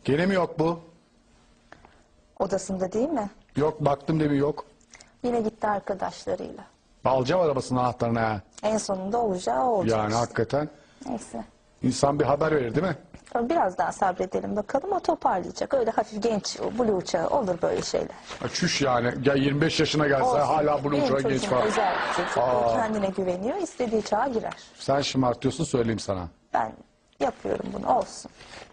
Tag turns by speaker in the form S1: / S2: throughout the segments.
S1: Gene mi yok bu?
S2: Odasında değil mi?
S1: Yok baktım demin yok.
S2: Yine gitti arkadaşlarıyla.
S1: Alacağım arabasının anahtarını ha.
S2: En sonunda olacağı o olacak
S1: Yani
S2: işte.
S1: hakikaten
S2: Neyse.
S1: insan bir haber verir değil mi?
S2: Biraz daha sabredelim bakalım, o toparlayacak. Öyle hafif genç, blue çağı olur böyle şeyler.
S1: Ha, çüş yani. Ya 25 yaşına gelse
S2: Olsun.
S1: hala bunun
S2: Benim
S1: uçağı genç
S2: çocuğum
S1: falan.
S2: özel bir çocuk. O kendine güveniyor, istediği çağa girer.
S1: Sen şımartıyorsun söyleyeyim sana.
S2: Ben yapıyorum bunu, olsun.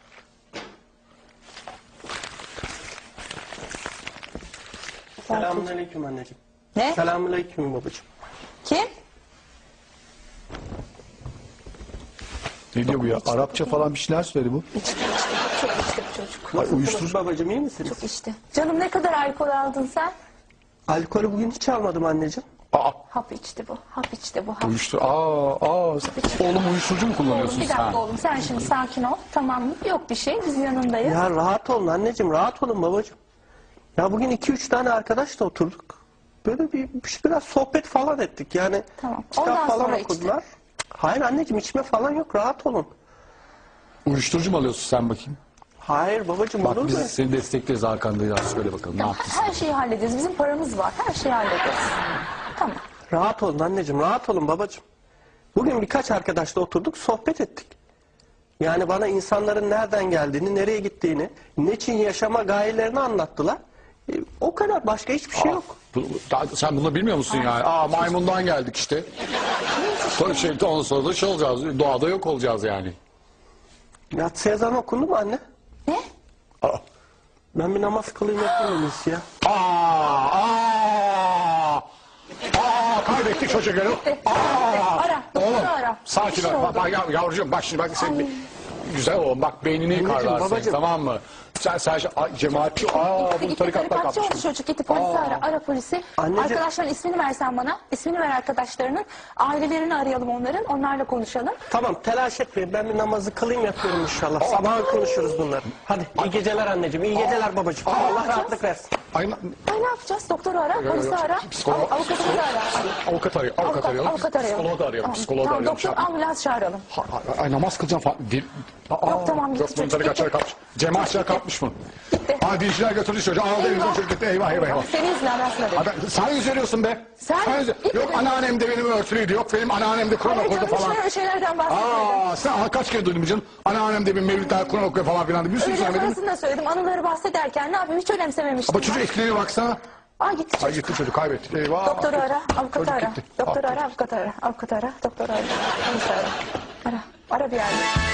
S3: Selamünaleyküm anneciğim.
S2: Ne?
S3: Selamünaleyküm babacığım.
S2: Kim?
S1: Ne diyor bu ya? Arapça falan bir şeyler söyledi bu.
S2: İçti. Çok içti bu çocuk.
S1: Ay, uyuşturucu.
S3: Babacığım iyi misiniz?
S2: Çok içti. Canım, ne kadar alkol aldın sen?
S3: Alkolü bugün hiç almadım anneciğim.
S1: Aa,
S2: Hap içti bu. Hap içti bu. Hap.
S1: uyuşturucu. Oğlum uyuşturucu mu
S2: Oğlum,
S1: kullanıyorsun
S2: bir dakika
S1: sen?
S2: oğlum, sen şimdi sakin ol. Tamam mı? Yok bir şey, biz yanındayız.
S3: Ya rahat olun anneciğim, rahat olun babacığım. Ya bugün 2-3 tane arkadaşla oturduk. Böyle biraz sohbet falan ettik. Yani
S2: Tamam.
S3: kitap
S2: Ondan
S3: falan
S2: sonra
S3: okudular. Hayır anneciğim, içme falan yok, rahat olun.
S1: Uyuşturucu mu alıyorsun sen bakayım?
S3: Hayır babacığım, olur
S1: Bak
S3: mu?
S1: biz seni destekleriz arkandayız. Söyle bakalım ne yaptın?
S2: Her şeyi hallederiz. Bizim paramız var. Her şeyi hallederiz. Tamam.
S3: Rahat olun anneciğim, rahat olun babacığım. Bugün birkaç arkadaşla oturduk, sohbet ettik. Yani bana insanların nereden geldiğini, nereye gittiğini, ne için yaşama gayelerini anlattılar. O kadar, başka hiçbir şey yok.
S1: Sen bunu bilmiyor musun yani? Maymundan geldik işte. Ondan sonra da şey olacağız. Doğada yok olacağız yani.
S3: Yatsı ezanı okundu mu anne?
S2: Ne?
S1: Aa,
S3: Ben bir namaz kılayım yapayım en iyisi ya.
S1: Kaybettik çocukları.
S2: Ara.
S1: Oğlum
S2: Doktoru ara.
S1: sakin
S2: Bir şey
S1: ol.
S2: oldu.
S1: Bak yavrucuğum bak şimdi bak sen güzel oğlum bak beynini yıkarlar senin,
S3: babacığım.
S1: tamam mı? Sen cemaatçi bu tarikatlar
S2: Tarikatçı oldu
S1: kapmış.
S2: çocuk. Gitti polisi ara. Ara polisi.
S3: Anneciğim.
S2: Arkadaşların ismini versen bana. İsmini ver arkadaşlarının. Ailelerini arayalım onların. Onlarla konuşalım.
S3: Tamam, telaş etmeyin, ben bir namazı kılayım yapıyorum inşallah. Sabah konuşuruz bunları. Hadi iyi geceler anneciğim, iyi geceler babacığım. Allah rahatlık versin.
S1: Ay,
S2: Ay, ne yapacağız? Doktoru ara. Polisi ara. Avukatımızı ara.
S1: avukat arayalım.
S2: Avukat arayalım.
S1: Psikoloğu da arayalım.
S2: Tamam,
S1: Psikoloğu da
S2: tamam,
S1: arayalım.
S2: doktor, ambulans çağıralım.
S1: Ay namaz kılacağım falan.
S2: Yok, tamam, gitti
S1: Yok bunun
S2: çocuk,
S1: tarikatçılar
S2: gitti.
S1: kapmış. Cemaatçiler kapmış mı?
S2: Gitti.
S1: Dinciler götürdü çocuğu. Aldı elimizden çocuk gitti. Eyvah eyvah.
S2: Seni izle, ben sana dedim.
S1: Sen yüz veriyorsun be.
S2: Sen-
S1: Yok anneannem de benim örtülüydü. Yok benim anneannem de Kur'an
S2: Hayır
S1: okurdu
S2: canım,
S1: falan.
S2: öyle şeylerden bahsetmedim.
S1: Sen kaç kere duydun canım? Anneannem de benim mevlütler Kur'an okuyor falan filan. Bir sürü
S2: Öyle
S1: söylemedim.
S2: sonrasını da söyledim. Anıları bahsederken ne yapayım, hiç önemsememiştim.
S1: Ama çocuk etkileniyor baksana.
S2: Gitti çocuk.
S1: Ay gitti çocuk kaybettik. Eyvah.
S2: Doktoru ara, avukatı
S1: Çocuk
S2: ara.
S1: gitti.
S2: Doktoru ara, avukatı ara. Avukatı ara, doktoru ara. Polisi ara. Ara bir yerde.